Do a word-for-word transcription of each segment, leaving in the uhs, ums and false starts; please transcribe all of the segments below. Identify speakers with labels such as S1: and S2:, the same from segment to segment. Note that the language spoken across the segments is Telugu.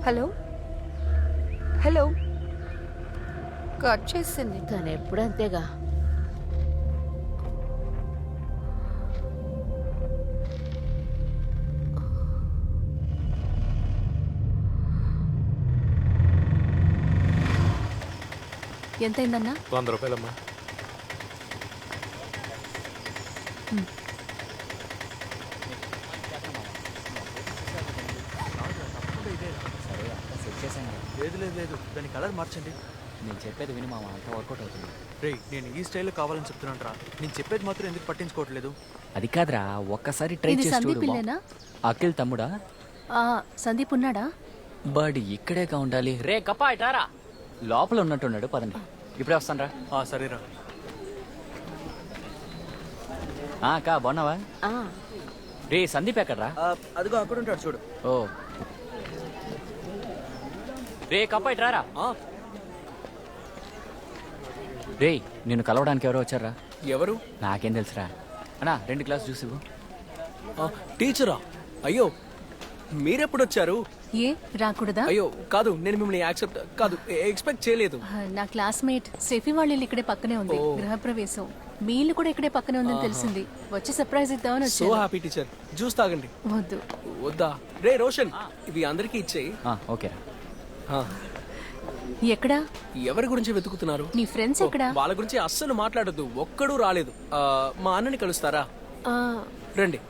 S1: హలో హలో కట్ చేసింది.
S2: తను ఎప్పుడు అంతేగా.
S1: ఎంతైందన్నా?
S3: వంద రూపాయలమ్మా.
S4: లేదు లేదు లేదు దాని కలర్ మార్చండి.
S5: నేను చెప్పేది విని మామ, అంతా వర్కౌట్ అవుతుంది.
S4: రే నేను ఈ స్టైల్లో కావాలని చెప్తున్నాను రా. నేను చెప్పేది మాత్రం ఎందుకు పట్టించుకోవట్లేదు?
S5: అది కాదురా, ఒక్కసారి ట్రై
S1: ఇది
S5: చేసి
S1: సందీప్
S5: చూడు.
S1: ఇల్లేనా?
S5: అఖిల్ తమ్ముడా?
S1: ఆ, సందీప్ ఉన్నాడా?
S5: బడ్ ఇక్కడేగా ఉండాలి. రే కప్పా ఇటారా, లోపల ఉన్నట్టున్నాడు. పదండి, ఇప్పుడే వస్తాను రా.
S4: ఆ, సరేరా.
S5: అక్క బాగున్నావా? రే సందీప్ ఎక్కడ్రా?
S4: అదిగో అక్కడ ఉంటాడు చూడు.
S5: ఓ రే కప్పా ఇటారా. రే నిన్ను కలవడానికి ఎవరో వచ్చారా?
S4: ఎవరు?
S5: నాకేం తెలుసురా. అన్నా రెండు గ్లాస్ జ్యూస్ ఇవ్వు.
S4: టీచరా? అయ్యో మీరెప్పుడు వచ్చారు?
S1: ఏ రాకూడదా?
S4: అయ్యో కాదు, నేను మిమ్మల్ని యాక్సెప్ట్ కాదు ఎక్స్పెక్ట్ చేయలేదు.
S1: ఆ, నా క్లాస్మేట్ సెఫీ వాళ్ళ ఇల్లు ఇక్కడే పక్కనే ఉంది. గృహప్రవేశం మీ ఇల్లు కూడా ఇక్కడే పక్కనే ఉందని తెలిసింది. వచ్చి సర్ప్రైజ్ ఇద్దామని
S4: సో
S1: వచ్చాను.
S4: Happy teacher. జ్యూస్ తాగండి.
S1: వద్దు.
S4: వద్దా? రే రోషన్, ఇవి అందరికీ ఇచ్చేయి.
S5: ఓకేరా.
S1: ఎక్కడా?
S4: ఎవరి గురించి వెతుకుతున్నారు?
S1: నీ ఫ్రెండ్స్ ఎక్కడా?
S4: వాళ్ళ గురించి అస్సలు మాట్లాడద్దు. ఒక్కడూ రాలేదు. ఆ, మా అన్నని కలుస్తారా?
S1: ఆ,
S4: రండి.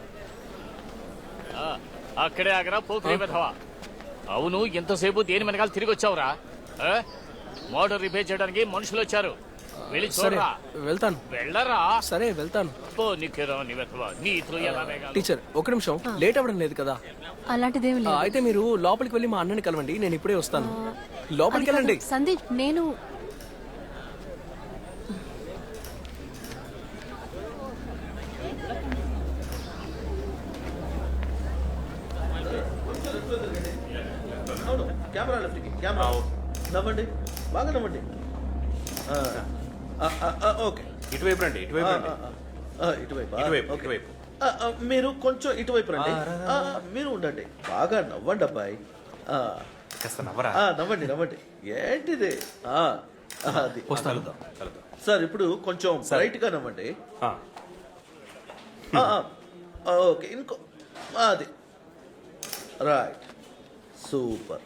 S6: అక్కడే ఆగరా పోకిరి వెధవా. అవును, ఎంతసేపు దేని వెనకాల తిరిగి వచ్చావురా? మోటార్ రిపేర్ చేయడానికి మనుషులు వచ్చారు. వెళ్ళి
S4: సరే
S6: చూడరా.
S4: వెళ్తాను.
S6: వెళ్ళరా.
S4: సరే వెళ్తాను.
S6: పో నిఖిరా నీ వెధవా. నీతో ఎలా వేగాలి?
S4: టీచర్ ఒక నిమిషం, లేట్ అవ్వడం లేదు కదా?
S1: అలాంటిదేమి
S4: ఆ,
S1: లేదు.
S4: అయితే మీరు లోపలికి వెళ్ళి మా అన్నని కలవండి. నేను ఇప్పుడే వస్తాను. లోపలికి
S1: అది కాదు,
S4: వెళ్ళండి.
S1: సందీప్ నేను
S7: కెమెరా లెఫ్ట్కి. కెమెరా నవ్వండి, బాగా నవ్వండి. ఓకే,
S3: ఇటువైపు రండి, ఇటువైపు రండి.
S7: ఇటువైపు
S3: ఇటువైపు,
S7: ఓకే.
S3: ఇటువైపు.
S7: ఆ, ఆ, మీరు కొంచెం ఇటువైపు రండి. ఆ, మీరు ఉండండి, బాగా నవ్వండి అబ్బాయి. ఆ,
S3: కాస్త నవ్వరా.
S7: ఆ, నవ్వండి నవ్వండి. ఏంటిది? ఆ, అది
S4: వస్తాను.
S7: సార్, ఇప్పుడు కొంచెం బ్రైట్ గా నవ్వండి.
S3: ఆ,
S7: ఆ, ఆ, ఓకే, ఇంకో అది రైట్, సూపర్.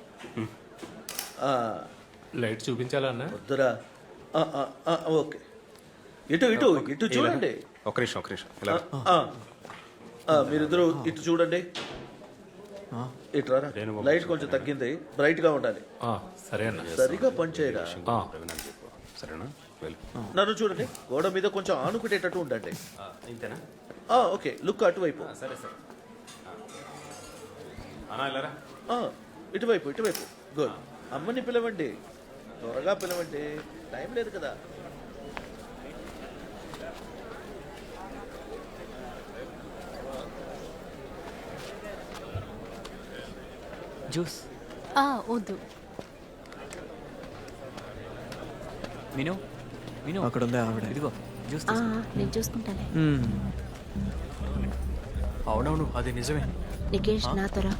S3: లైట్ చూపించాలా అన్న?
S7: వద్దురా. ఆ, ఆ, ఆ, ఓకే, ఇటు ఇటు ఇటు చూడండి.
S3: ఒక నిమిషం, ఒక నిమిషం. ఇలా రా.
S7: ఆ, ఆ, మీరిద్దరు ఇటు చూడండి. ఇటు రారా. లైట్ కొంచెం తగ్గింది, బ్రైట్ గా ఉండాలి.
S3: ఆ, సరే అన్న.
S7: సరిగా పనిచేయరా.
S3: ఆ. సరేనా? వెళ్ళు.
S7: నన్ను చూడండి, గోడ మీద కొంచెం ఆనుకునేటట్టు ఉండండి.
S3: ఇంతేనా?
S7: ఆ, ఓకే, లుక్ అటువైపు.
S3: సరే సరే. అన్నా ఇలా రా.
S7: ఆ, ఇటువైపు ఇటువైపు. గుడ్. అమ్మని పిలవండి, త్వరగా పిలవండి, టైం లేదు కదా.
S5: జ్యూస్.
S1: ఆ, వద్దు.
S5: విను విను,
S4: అక్కడ ఉంది ఆవిడ.
S5: ఇదిగో జ్యూస్.
S2: నేను చూసుకుంటానే.
S4: అవునవును, అది నిజమే.
S2: నికేష్ నాతో రా.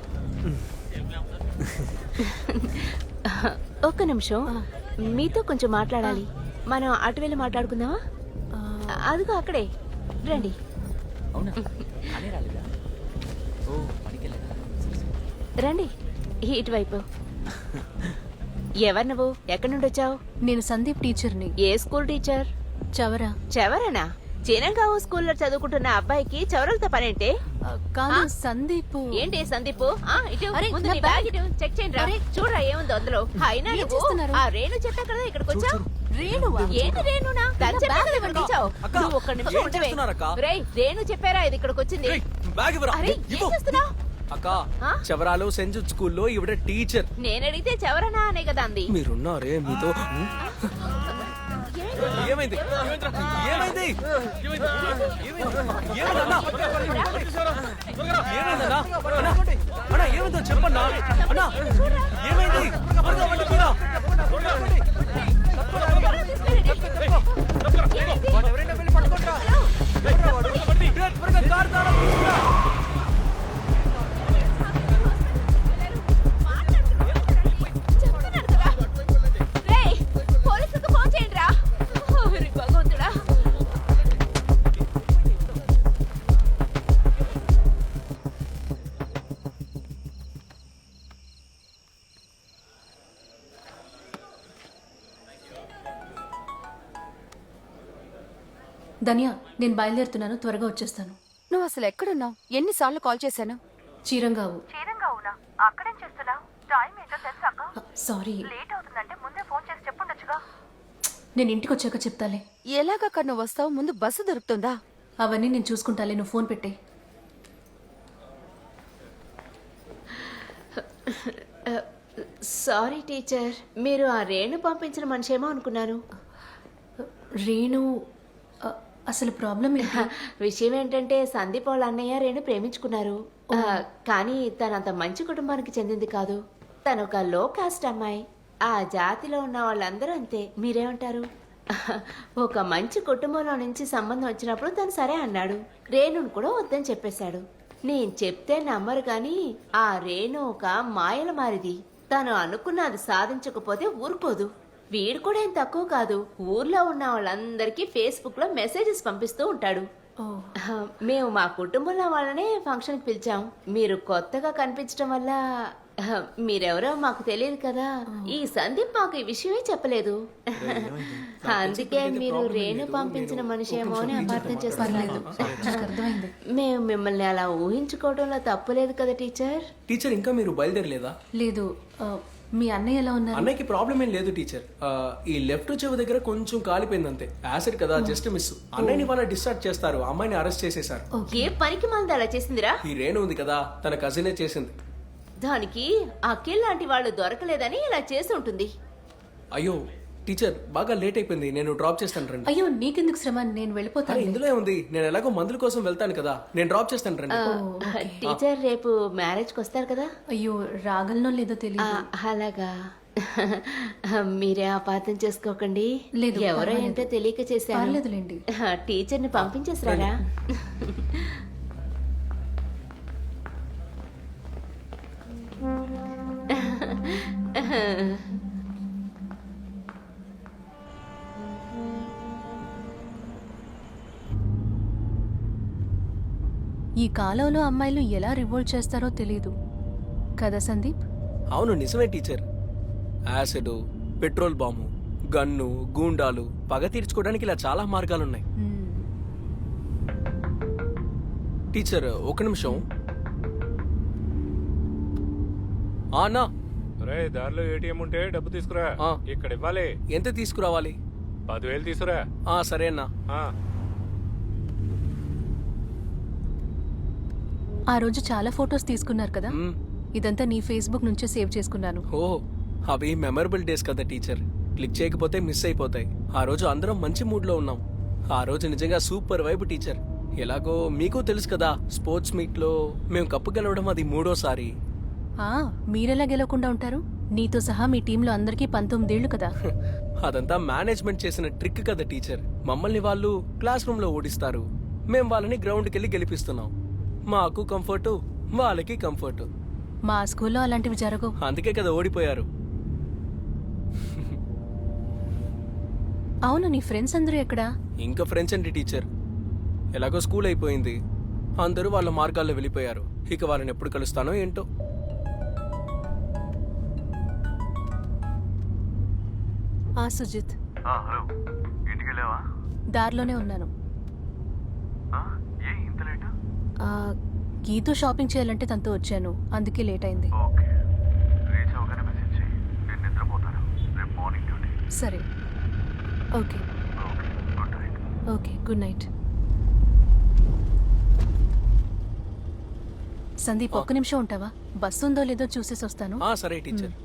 S2: ఒక్క నిమిషం, మీతో కొంచెం మాట్లాడాలి. మనం అటు వెళ్ళి మాట్లాడుకుందామా? అదిగో అక్కడే, రండి.
S5: అవునా? అనే రాలేదా? ఓ పనికెళ్ళాడా?
S2: రండి ఇటువైపు. ఎవరు నువ్వు? ఎక్కడి నుండి వచ్చావు?
S1: నేను సందీప్ టీచర్ని.
S2: ఏ స్కూల్ టీచర్?
S1: చవరా.
S2: చవరనా? చినంగావు స్కూల్లో చదువుకుంటున్న అబ్బాయికి చవరలతో పనేంటే?
S1: ఆ, కాదు
S2: ఆ?
S1: సందీప్.
S2: ఏంటి సందీప్? ఆ, ఇటు
S1: అరే,
S2: ముందు
S1: నా
S2: నీ
S1: బ్యాగ్.
S2: బ్యాగ్ ఇటు చెక్ చేయండి రా.
S1: అరే.
S2: చూడరా ఏముందో అందులో. అయినా
S1: ఏం
S2: నువ్వు
S1: చేస్తున్నారు?
S2: ఆ రేణు చెప్పా కదా ఇక్కడికి వచ్చావు.
S1: రేణువా?
S2: ఏంటి రేణునా? తను చెప్పా కదా ఇక్కడికి వచ్చావు.
S4: అక్క,
S2: నువ్వు ఒక్క నిమిషం
S4: ఏం
S2: ఉండవే.
S4: చేస్తున్నారక్క?
S2: రేయ్, రేణు చెప్పారా ఇది ఇక్కడికి వచ్చింది?
S4: ఏయ్, బ్యాగ్ ఇవ్వరా.
S2: అరే ఏం
S4: ఇవ్వు.
S2: చేస్తున్నావు?
S4: అక్క,
S2: ఆ?
S4: చవరాలో సెంట్ జూడ్ స్కూల్లో ఈవిడ టీచర్.
S2: నేను అడిగితే చవరనా అనే కదా అంది.
S4: మీరున్నారే మీతో. ఏమైంది? ఏమైంది? ఏమైందన్నా? ఏమైందన్నా? అన్నా, అన్నా, ఏమైందో చెప్పన్నా. అన్నా, ఏమైంది? త్వరగా వండి పోరా. వాడు ఎవరైనా వెళ్ళి పట్టుకుంటారా? త్వరగా కారు తాళం తీసుకురా.
S1: ధన్య, నేను బయలుదేరుతున్నాను, త్వరగా వచ్చేస్తాను.
S8: నువ్వు అసలు ఎక్కడున్నావు? ఎన్నిసార్లు కాల్ చేశాను?
S1: చీరంగావు.
S9: చీరంగావునా? అక్కడేం చేస్తున్నావు? టైం ఏంటో తెలుసాక?
S1: సారీ,
S9: లేట్ అవుతుందంటే ముందే ఫోన్ చేసి చెప్పుండొచ్చుగా.
S1: నేను ఇంటికి వచ్చాక చెప్తాలే.
S8: ఎలాగక్క నువ్వు వస్తావు? ముందు బస్సు దొరుకుతుందా?
S1: అవన్నీ నేను చూసుకుంటాలే, నువ్వు ఫోన్ పెట్టే.
S2: సారీ టీచర్, మీరు ఆ రేణు పంపించిన మనిషేమో అనుకున్నాను.
S1: రేణు, అ, అసలు ప్రాబ్లం ఏంటి?
S2: విషయం ఏంటంటే సందీప్ వాళ్ళ అన్నయ్య రేణు ప్రేమించుకున్నారు. ఆ, కానీ తనంత మంచి కుటుంబానికి చెందింది కాదు. తను ఒక లో కాస్ట్ అమ్మాయి. ఆ జాతిలో ఉన్న వాళ్ళందరూ అంతే. మీరేమంటారు? ఒక మంచి కుటుంబంలో నుంచి సంబంధం వచ్చినప్పుడు తను సరే అన్నాడు. రేణును కూడా వద్దని చెప్పేశాడు. నేను చెప్తే నమ్మరు కానీ ఆ రేణు ఒక మాయల మారిది. తను అనుకున్నది సాధించకపోతే ఊరుకోదు. వీడు కూడా ఏం తక్కువ కాదు. ఊర్లో ఉన్న వాళ్ళందరికీ ఫేస్బుక్ లో మెసేజెస్ పంపిస్తూ ఉంటాడు.
S1: ఓ,
S2: మేము మా కుటుంబంలో వాళ్ళనే ఫంక్షన్ కి పిలిచాం. మీరు కొత్తగా కనిపించడం వల్ల ఆ, మీరెవరో మాకు తెలియదు కదా. ఈ సందీప్ మాకు ఈ విషయమే చెప్పలేదు. అందుకే మీరు రేణు పంపించిన మనిషేమో అని అపార్థం చేస్తున్నారు.
S1: నాకు అర్థమైంది.
S2: మేము మిమ్మల్ని అలా ఊహించుకోవడంలో తప్పులేదు కదా టీచర్.
S4: టీచర్ ఇంకా మీరు బయలుదేరలేదా?
S1: లేదు. ఆ, మీ అన్నయ్య ఎలా ఉన్నారు?
S4: అన్నయ్యకి ప్రాబ్లం ఏం లేదు టీచర్. ఆ, ఈ లెఫ్ట్ చెవి దగ్గర కొంచెం కాలిపోయింది అంతే. యాసిడ్ కదా, జస్ట్ మిస్. అన్నయ్యని వాళ్ళ డిశ్చార్జ్ చేస్తారు. అమ్మాయిని అరెస్ట్ చేసేశారు.
S2: ఏ పనికి మంది అలా చేసిందిరా?
S4: ఈ రేణు ఉంది కదా, తన కజినే చేసింది.
S2: దానికి అఖిల్ లాంటి వాళ్ళు దొరకలేదని ఇలా చేసి ఉంటుంది.
S4: అయ్యో టీచర్, బాగా లేట్ అయిపోయింది. నేను డ్రాప్ చేస్తాను రండి.
S1: అయ్యో, నీకెందుకు శ్రమ, నేను
S4: అరే,
S1: వెళ్ళిపోతాను.
S4: ఇందులో ఉంది. నేను ఎలాగో మందుల కోసం వెళ్తాను కదా, నేను డ్రాప్ చేస్తాను రండి.
S2: టీచర్ రేపు మ్యారేజ్ కి వస్తారు కదా?
S1: అయ్యో, రాగలనో లేదో
S2: ఆ,
S1: తెలియదు.
S2: అలాగా. మీరే అపార్థం చేసుకోకండి.
S1: లేదు,
S2: ఎవరో
S1: పర్వాలేదు.
S2: ఏంటో తెలియక చేశాను.
S1: పర్లేదులేండి.
S2: టీచర్ని పంపించేసారా?
S1: ఈ కాలంలో అమ్మాయిలు ఎలా రివోల్ట్ చేస్తారో తెలియదు కదా సందీప్?
S4: అవును నిజమే teacher. Acid, petrol bomb, gun, గూండాలు, పగ తీర్చుకోవడానికి ఇలా చాలా మార్గాలున్నాయి.
S1: మ్మ్.
S4: టీచర్ ఒక నిమిషం. ఆ, అన్నా,
S3: రే దారిలో ఏటీఎం ఉంటే డబ్బు తీసుకురా.
S4: ఆ.
S3: ఇక్కడ ఇవ్వాలి.
S4: ఎంత తీసుకురావాలి?
S3: పదివేలు తీసుకురా.
S4: ఆ, సరే అన్నా.
S3: ఆ.
S1: ఆ రోజు చాలా ఫొటోస్ తీసుకున్నారు కదా,
S4: మ్మ్.
S1: ఇదంతా నీ ఫేస్బుక్ నుంచే సేవ్ చేసుకున్నాను.
S4: ఓ, అవి మెమరబుల్ డేస్ కదా టీచర్. క్లిక్ చేయకపోతే మిస్ అయిపోతాయి. ఆ రోజు అందరం మంచి మూడ్ లో ఉన్నాం. ఆ రోజు నిజంగా సూపర్ వైబ్ టీచర్. ఎలాగో మీకు తెలుసు కదా, స్పోర్ట్స్ మీట్ లో మేము కప్పు గెలవడం అది మూడోసారి.
S1: ఆ, మీరెలా గెలవకుండా ఉంటారు? నీతో సహా మీ టీంలో అందరికీ పంతొమ్మిదేళ్లు కదా.
S4: అదంతా మేనేజ్మెంట్ చేసిన ట్రిక్ కదా టీచర్. మమ్మల్ని వాళ్ళు క్లాస్ రూమ్ లో ఓడిస్తారు, మేం వాళ్ళని గ్రౌండ్కి వెళ్ళి గెలిపిస్తున్నాం. మాకు కంఫర్టు, వాళ్ళకి కంఫర్టు.
S1: మా స్కూల్లో అలాంటివి జరగవు.
S4: అందుకే కదా ఓడిపోయారు.
S1: అవును, నీ ఫ్రెండ్స్ అందరూ ఎక్కడా?
S4: ఇంకా ఫ్రెండ్స్ అండి టీచర్. ఎలాగో స్కూల్ అయిపోయింది, అందరూ వాళ్ళ మార్గాల్లో వెళ్ళిపోయారు. ఇక వాళ్ళని ఎప్పుడు కలుస్తానో ఏంటో.
S1: ఆ సుజిత్,
S10: హలో, ఇంటికి వెళ్ళావా?
S1: దారిలోనే ఉన్నాను.
S10: ఏ ఇంత లేట్?
S1: ఆ, గీతో షాపింగ్ చేయాలంటే తనతో వచ్చాను, అందుకే లేట్ అయింది.
S10: ఓకే, రీచ్ అవగానే మెసేజ్ చేయి. నేను నిద్రపోతాను. రేపు మార్నింగ్ డ్యూటీ.
S1: సరే, okay.
S10: Okay, good night.
S1: Okay, good night. Sandeep, ఒక్క నిమిషం ఉంటావా? బస్సు ఉందో లేదో చూసేసి వస్తాను.
S4: ఆ, సరే టీచర్.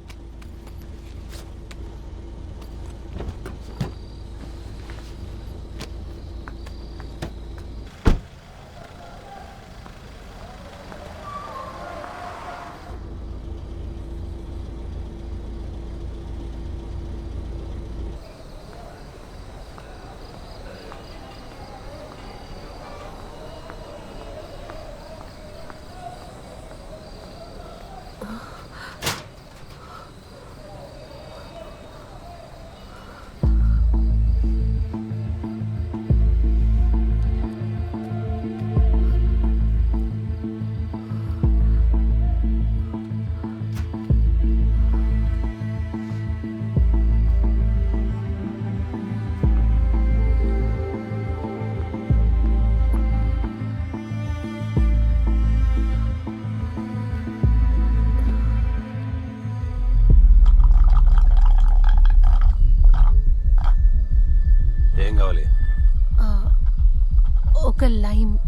S1: లైమ్